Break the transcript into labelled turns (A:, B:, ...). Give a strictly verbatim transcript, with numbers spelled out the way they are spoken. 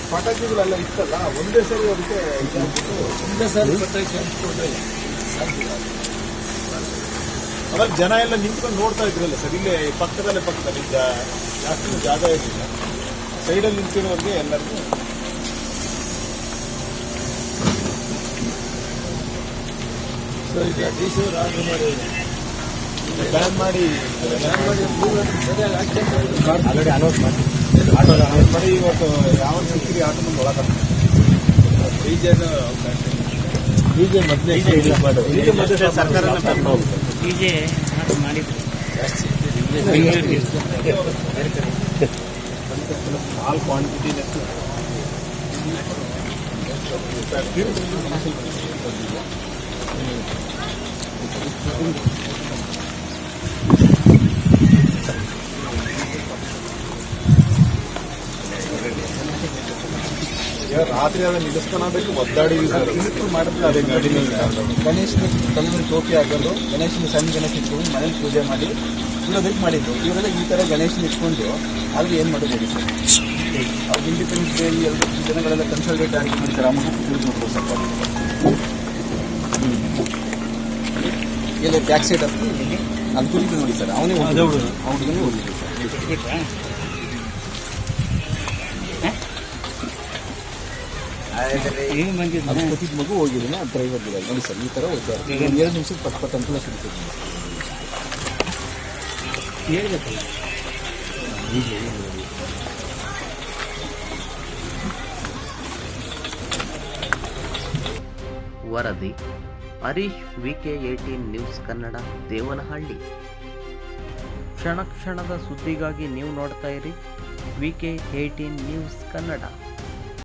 A: ಪಟಾಕಿಗಳೆಲ್ಲ ಇತ್ತಲ್ಲ ಒಂದೇ ಸರಿ ಅದಕ್ಕೆ ಇದಾಗ್ಬಿಟ್ಟು
B: ಒಂದೇ ಸಾರಿ ಪಟಾಕಿ ಹಂಚ್ಕೊಂಡ್ರೆ
A: ಅವಾಗ ಜನ ಎಲ್ಲ ನಿಂತ್ಕೊಂಡು ನೋಡ್ತಾ ಇದ್ರಲ್ಲ ಸರ್, ಇಲ್ಲೇ ಪಕ್ಕದಲ್ಲೇ ಪಕ್ಕದಲ್ಲಿ ಜಾ- ಜಾಸ್ತಿ ಜಾಗ ಇರಲಿಲ್ಲ, ಸೈಡಲ್ಲಿ ನಿಂತಿರೋರಿಗೆ ಎಲ್ಲರಿಗೂ
B: ಸೊ ಈಗ ಡಿ ಸಿ ಆರ್ಡರ್ ಮಾಡಿ
A: ಬ್ಯಾನ್ ಮಾಡಿ
B: ಬ್ಯಾನ್ ಮಾಡಿ ಸರಿಯಾಗಿ ಹಾಕ್ಕೊಂಡು
A: ಆಲ್ರೆಡಿ ಅನೌನ್ಸ್ ಮಾಡಿ ಆಟೋ ಅನೌನ್ಸ್ ಮಾಡಿ ಇವತ್ತು ಯಾವ ಸಿಕ್ಕಿರಿ ಆಟೋ ನಮ್ಮ ಒಳಗೆ
B: ಡಿಜೆನ ಅವಕಾಶ
A: ಡಿಜೆ ಮೊದಲೇ ಡಿಜೆ ಮೊದಲೇ ಸರ್ಕಾರನ ತಗೊಂಡು ಹೋಗ್ತದೆ.
C: ಡಿಜೆ ಮಾಡಿದ್ರು
A: ಆಲ್ ಕ್ವಾಂಟಿಟಿ ರಾತ್ರಿ ಅದನ್ನ ನಿಲ್ಲಿಸ್ಕೊಳಬೇಕು ಒದ್ದಾಡಿದ್ವಿ ಸರ್, ಮಾಡಿದ್ರೆ ಅದೇ ಗಾಡಿ
D: ಗಣೇಶನ ಕಲ್ಲಿನ ಟೋಪಿ ಹಾಕೊಂಡು ಗಣೇಶನ ಸಣ್ಣ ಗಣೇಶ ಇಟ್ಕೊಂಡು ಮನೇಲಿ ಪೂಜೆ ಮಾಡಿ ಇರೋದಕ್ಕೆ ಮಾಡಿದ್ದು. ಇವರೆಲ್ಲ ಈ ಥರ ಗಣೇಶನ ಇಟ್ಕೊಂಡು ಆದ್ರೆ ಏನು ಮಾಡೋದು ಹೇಳಿ ಸರ್? ಅವ್ರು ಇಂಡಿಪೆಂಡೆನ್ಸ್ ಡೇ ಎರಡು ಜನಗಳೆಲ್ಲ ಕನ್ಸಲ್ಟೇಟ್ ಆಗಿ ಮಾಡಿದ್ದಾರೆ. ಆ ಮಗು ತಿಳಿದು ನೋಡ್ಬೋದು ಸ್ವಲ್ಪ ಎಲ್ಲ ಬ್ಯಾಕ್ ಸೈಡ್ ಹತ್ತಿ ಅದು ಕುರಿತು ನೋಡಿ ಸರ್, ಅವನೇ ಅವ್ರಿಗೂ ಹೋಗಿದ್ದು ಸರ್.
C: ಈಗ ಬಂದಿದ್ದು
D: ಅದು ಕೊಟ್ಟಿದ್ದ ಮಗು ಹೋಗಿದ್ದೀನಿ, ಅದು ಡ್ರೈವರ್ ಬಿಡೋದು ನೋಡಿ ಸರ್. ಈ ಥರ ಹೋಗ್ತಾರೆ ಎರಡು ನಿಮಿಷಕ್ಕೆ ಪಟ್ ಪಟ್ ಅಂತ ಸಿಗ್ತದೆ.
C: ಹೇಳ್ಬೇಕಲ್ಲ
E: ವರದಿ Harish V K eighteen news Kannada, Devanahalli. ಕ್ಷಣ ಕ್ಷಣದ ಸುದ್ದಿಗಾಗಿ ನೀವು ನೋಡ್ತಾ ಇರಿ ವಿಕೆ ಏಟೀನ್ ನ್ಯೂಸ್ ಕನ್ನಡ.